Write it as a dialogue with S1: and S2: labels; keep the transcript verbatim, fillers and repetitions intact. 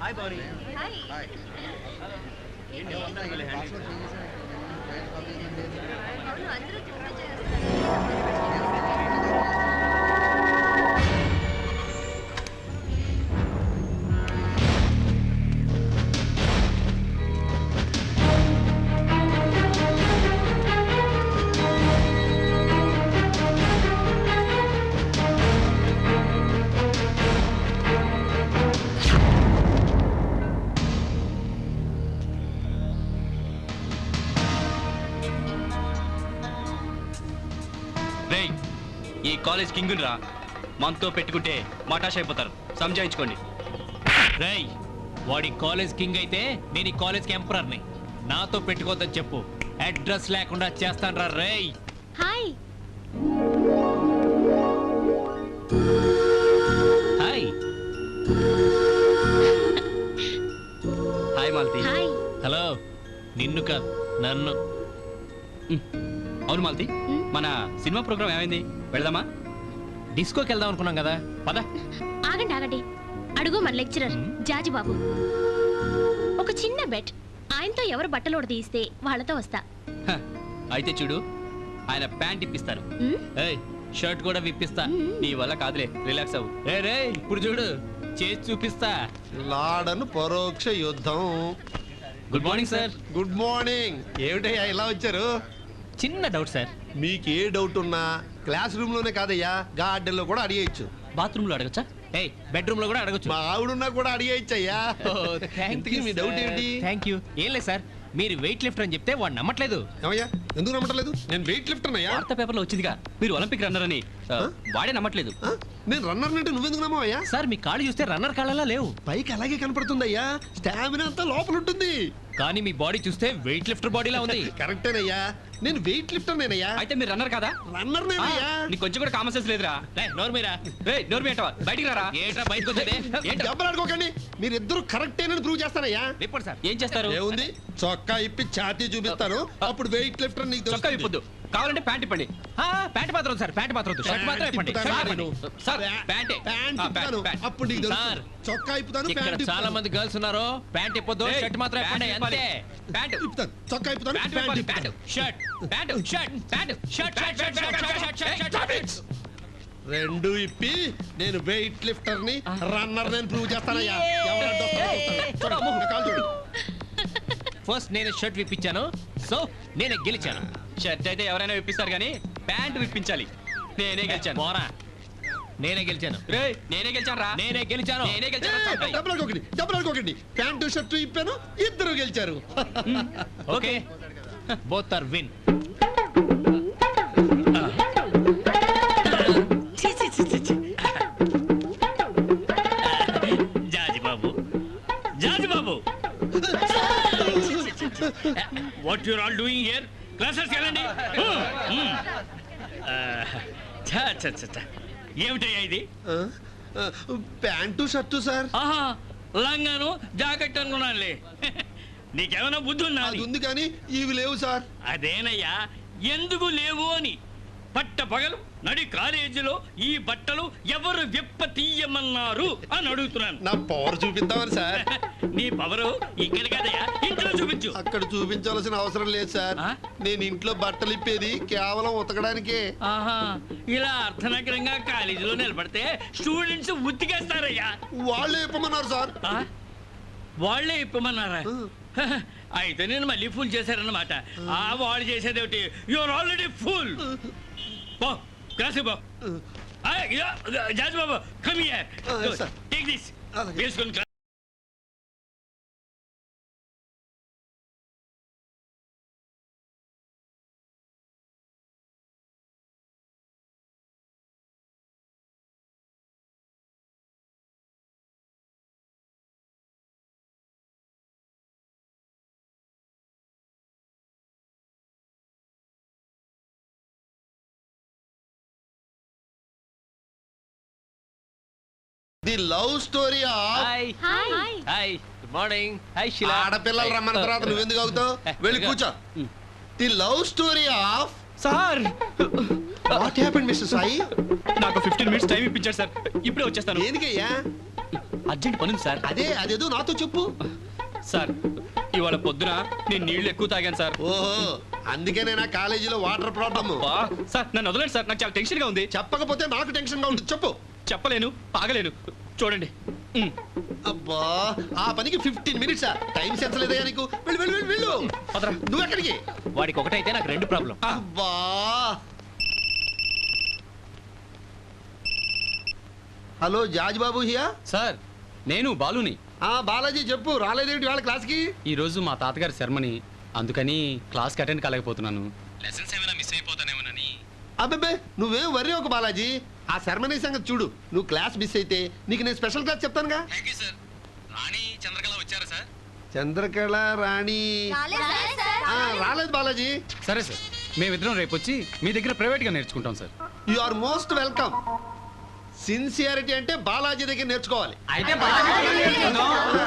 S1: Hi బారీ.
S2: Hi.
S1: Hi. ఏంటి వస్తాను మళ్ళీ హ్యాండ్
S2: అవును అందరూ త్వరగా చేస్తారు.
S3: రేయ్, ఈ కాలేజ్ కింగ్ రా, మనతో పెట్టుకుంటే మటాష్ అయిపోతారు, సంజాయించుకోండి.
S4: రేయ్, వాడి కాలేజ్ కింగ్ అయితే నేను ఈ కాలేజ్ ఎంపరర్ని. నాతో పెట్టుకోవద్దని చెప్పు, అడ్రస్ లేకుండా చేస్తాను రా. రేయ్
S2: hi.
S4: Hi.
S3: Hi Malathi.
S2: Hi.
S4: Hello. నిన్ను కాదు, నన్ను.
S3: అవును మాలతి, మన సినిమా ప్రోగ్రామ్ ఏమైంది? వెళదామా?
S4: డిస్కోకి వెళ్దాం అనుకున్నాం కదా, పద.
S2: ఆగండి ఆగండి. అడుగు మన లెక్చరర్ జాజి బాబు. ఒక చిన్న బెట్, ఆయనతో ఎవరు బట్టలోడు తీస్తే వాళ్ళతో వస్తా.
S3: హ, అయితే చూడు, ఆయన ప్యాంట్ ఇప్పిస్తాను.
S2: ఉమ్,
S4: ఏయ్, షర్ట్ కూడా విప్పిస్తా.
S3: నీ వల్ల కాదులే, రిలాక్స్ అవ్వు.
S4: రే రే ఇప్పుడు చూడు, చేసి చూపిస్తా.
S1: లాడను పరోక్ష యుద్ధం.
S4: Good morning sir.
S1: Good morning. ఏమిటయ్యా ఇలా వచ్చారు?
S4: చిన్న డౌట్ సార్.
S1: మీకు ఏ డౌట్ ఉన్నా క్లాస్ రూమ్ లోనే కాదయ్యా, గార్డెన్ లో కూడా అడిగేయచ్చు.
S3: బాత్రూమ్ లో అడగచ్చా?
S4: ఏయ్, బెడ్రూమ్ లో కూడా అడగొచ్చు.
S1: మా ఆవిడున్నా కూడా అడిగేయచ్చు అయ్యా. ఇంతకీ మీ డౌట్ ఏంటి?
S4: Thank you. ఏం లేదు సార్, మీరు వెయిట్ లిఫ్టర్ అని చెప్తే వాడు నమ్మట్లేదు.
S1: ఏమయ్యా, ఎందుకు నమ్మట్లేదు? నేను వెయిట్ లిఫ్టర్ అయ్యా.
S3: వార్తా పేపర్లో వచ్చిందిగా మీరు ఒలింపిక్ రన్నర్ అని. ఆ, వాడే నమ్మట్లేదు.
S1: నేను రన్నర్ అంటే నువ్వెందుకు నమ్మవయ్యా?
S4: సార్ మీ కాళ్ళు చూస్తే రన్నర్ కాళ్ళలా లేవు,
S1: పైకి అలాగే కనపడుతుందయ్యా, స్టామినా అంతా లోపల ఉంటుంది.
S4: కానీ మీ బాడీ చూస్తే వెయిట్ లిఫ్టర్ బాడీలా ఉంది.
S1: కరెక్టేనయ్యా, నేను వెయిట్ లిఫ్టర్ నేనయ్యా.
S3: అయితే మీరు రన్నర్ కాదా?
S1: రన్నర్
S3: ఆ,
S1: నేనయ్యా.
S3: నీకు కొంచెం కూడా కామన్ సెన్స్ లేదురా.
S4: రేయ్, నోరు మీరా.
S3: రే నోరు మీటవా, బయటికి రారా.
S4: ఏట్రా బయటకు వచ్చేది? ఏంట్రా?
S1: దెబ్బలాడుకోకండి, మీరిద్దరు కరెక్టేనని ప్రూవ్ చేస్తానయ్యా.
S4: Report sir.
S3: ఏం చేస్తారు?
S1: ఏముంది, చొక్కా ఇప్పి ఛాతీ చూపిస్తాను, అప్పుడు వెయిట్ లిఫ్టర్ నీకు
S3: చొక్కా
S1: తెలుస్తుంది.
S3: విప్పొద్దు, కావాలంటే ప్యాంట్ ఇప్పండి.
S4: ఆ, ప్యాంట్ మాత్రం వద్దు సార్, ప్యాంట్ మాత్రం వద్దు. షర్ట్ మాత్రం ఇప్పండి.
S1: ఇప్పుతాను
S4: షర్ట్
S1: నేను.
S4: ఇప్పండి.
S3: సార్, ప్యాంటే.
S1: ప్యాంట్
S3: ఆ,
S1: ఇప్పుతాను,
S3: ప్యాంట్.
S1: అప్పుడు నీకు తెలుస్తుంది.
S4: సార్,
S1: చొక్కా ఇప్పుతాను,
S4: ఇక్కడ
S1: ప్యాంట్
S4: చాలా
S1: ఇప్పుతాను.
S4: మంది గర్ల్స్ ఉన్నారు. ప్యాంట్ ఇప్పొద్దు,
S3: ఏయ్,
S4: షర్ట్ మాత్రం ఇప్పండి.
S3: ప్యాంట్
S4: అంతే.
S3: ప్యాంట్
S1: ఇప్పుతాను, చొక్కా ఇప్పుతాను,
S3: ప్యాంట్
S1: ప్యాంట్
S3: ఇవ్వాలి, ప్యాంట్.
S1: ఇప్పుతాను.
S4: Shirt pant shirt pant shirt shirt shirt shirt shirt shirt shirt shirt.
S1: రెండు ఇప్పి నేను వెయిట్ లిఫ్టర్ ని రన్నర్ నేను ప్రూవ్ చేస్తానయ్యా. ఎవరు అడ్డొస్తారో చూస్తాను. చూడు, నా కాలు చూడు.
S4: ఫస్ట్ నేను షర్ట్ విప్పించాను, సో నేనే గెలిచాను.
S3: షర్ట్ అయితే ఎవరైనా విప్పిస్తారు కానీ ప్యాంట్ విప్పించాలి. నేనే గెలిచాను.
S4: పోరా, నేనే గెలిచాను.
S3: రే నేనే గెలిచాను రా.
S4: నేనే గెలిచాను.
S3: నేనే
S1: ఏయ్,
S3: గెలిచాను.
S1: డబ్బులు అనుకోకండి, డబ్బులు అనుకోకండి. ప్యాంటు షర్టు ఇప్పాను, ఇద్దరు గెలిచారు.
S4: Okay, both are win.
S5: Jaji Babu, Jaji Babu, what you're all doing here? Classes వెళ్ళండి. ఏమిటయ్యా ఇది?
S1: ఆ, ఆ, ప్యాంటు షర్టు సార్.
S5: ఆహా, లంగాను జాకెట్ అనుకున్నానులే. నీకేమైనా బుద్ధి ఉందా
S1: అది
S5: అని?
S1: ఉంది కానీ ఇవి లేవు సార్.
S5: అదేనయ్యా, ఎందుకు లేవు అని. పట్ట పగలు నడి కాలేజీలో ఈ బట్టలు ఎవరు విప్ప తీయమన్నారు అని అడుగుతున్నాను.
S1: నా పవర్ చూపిద్దామని సార్.
S5: నీ పవరు ఇక్కడ కదయ్యా, ఇంట్లో చూపించు.
S1: అక్కడ చూపించాల్సిన అవసరం లేదు సార్.
S5: ఆ?
S1: నేను ఇంట్లో బట్టలు ఇప్పేది కేవలం ఉతకడానికే.
S5: ఆహా, ఇలా అర్థనగరంగా కాలేజీలో నిలబడితే స్టూడెంట్స్ ఉతికేస్తారయ్యా.
S1: వాళ్ళే ఇప్పమన్నారు సార్.
S5: ఆ? వాళ్ళే ఇప్పమన్నారా?
S1: ఆ.
S5: అయితే నేను మళ్ళీ ఫుల్ చేశారన్నమాట. ఆ వాళ్ళు చేసేదేమిటి? Your already full. బా క్లాస్ బా. జాజ్ బాబు కమ్ హియర్,
S1: ఆ, sir.
S5: Take this.
S1: అలాగే.
S5: వేసుకొని class.
S1: The love story of
S4: hi
S2: hi.
S4: Hi, good morning. Hi Sheela.
S1: ఆడపిల్లలు రమ్మన్న తర్వాత నువ్వెందుకు అవుతావు? వెళ్ళి కూర్చో. The love story of
S3: sir
S1: what happened mister Sai?
S3: నాకు ఫిఫ్టీన్ మినిట్స్ టైం ఇప్పించారు సార్. ఇప్పుడే వచ్చేస్తాను.
S1: దేనికయ్యా?
S3: అర్జెంట్ పనుంది సార్.
S1: అదే అదేదో నాతో చెప్పు.
S3: సార్ ఇవాళ పొద్దున నేను నీళ్లు ఎక్కువ తాగాను సార్.
S1: ఓహో, అందుకే నా కాలేజీలో వాటర్ ప్రాబ్లమ్.
S3: అబ్బా, సార్ నన్ను వదలండి సార్, నాకు చాలా టెన్షన్ గా ఉంది.
S1: చెప్పకపోతే నాకు టెన్షన్ గా ఉంటుంది. చెప్పు.
S3: చెప్పలేను, ఆగలేను. చూడండి. ఉమ్.
S1: అబ్బా, ఆ పనికి ఫిఫ్టీన్ మినిట్స్ టైం సెన్స్ లేదయ్యా నీకు? వెళ్ళు వెళ్ళు వెళ్ళు వెళ్ళు.
S3: పదరా.
S1: నువ్వు ఎక్కడికి?
S4: వాడికి ఒకటైతే నాకు రెండు ప్రాబ్లం.
S1: అబ్బా. Hello Jaj Babu here.
S3: Sir నేను బాలుని.
S1: ఆ బాలాజీ చెప్పు, రాలేదేంటి వాళ్ళ క్లాస్కి?
S3: ఈ రోజు మా తాతగారి శర్మని, అందుకని క్లాస్కి అటెండ్ కాలేకపోతున్నాను. లెసన్స్ ఏమైనా మిస్ అయిపోతానేమోనని.
S1: అబ్బే నువ్వేం వర్రీ ఒక బాలాజీ. ఆ శర్మని సంగతి చూడు. నువ్వు క్లాస్ మిస్ అయితే నీకు నేను స్పెషల్ క్లాస్ చెప్తానుగా.
S3: Thank you sir. Rani Chandrakala వచ్చారా సార్?
S1: చంద్రకళ రాణి ఆ, రాలేదు బాలాజీ.
S3: సరే సార్, మేమిద్దరం రేపు వచ్చి మీ దగ్గర ప్రైవేట్గా నేర్చుకుంటాం sir.
S1: You are most welcome. Sincerity అంటే బాలాజీ దగ్గర నేర్చుకోవాలి.
S3: అయితే